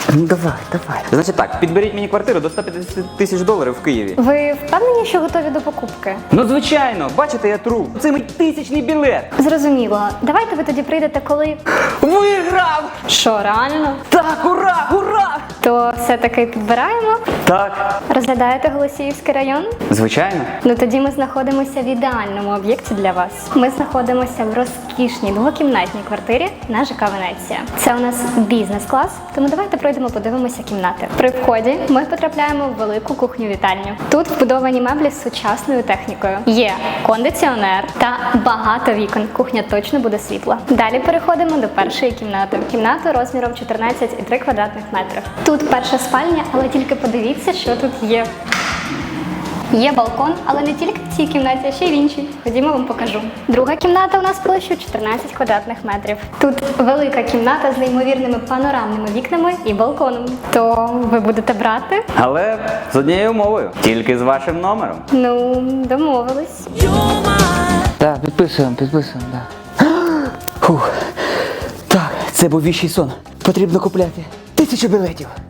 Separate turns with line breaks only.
Ну давай. Значить так, підберіть мені квартиру до 150 тисяч доларів в Києві.
Ви впевнені, що готові до покупки?
Ну звичайно, бачите, я тру. Це мій 1000-й білет.
Зрозуміло. Давайте ви тоді прийдете, коли...
Виграв!
Що, реально?
Так, ура!
То все-таки підбираємо?
Так.
Розглядаєте Голосіївський район?
Звичайно.
Ну тоді ми знаходимося в ідеальному об'єкті для вас. Ми знаходимося в розкішній двокімнатній квартирі на ЖК Венеція. Це у нас бізнес-клас, тому давайте пройдемо, подивимося кімнати. При вході ми потрапляємо в велику кухню-вітальню. Тут вбудовані меблі з сучасною технікою. Є кондиціонер та багато вікон. Кухня точно буде світла. Далі переходимо до першої кімнати. Кімната розміром 14,3 квадратних метрів. Тут перша спальня, але тільки подивіться, що тут є. Є балкон, але не тільки в цій кімнаті, а ще й в іншій. Ходімо, вам покажу. Друга кімната у нас площею 14 квадратних метрів. Тут велика кімната з неймовірними панорамними вікнами і балконом. То ви будете брати?
Але з однією умовою. Тільки з вашим номером.
Ну, домовились.
Так, підписуємо, да. Фух. Так, це був віщий сон. Потрібно купляти 1000 білетів.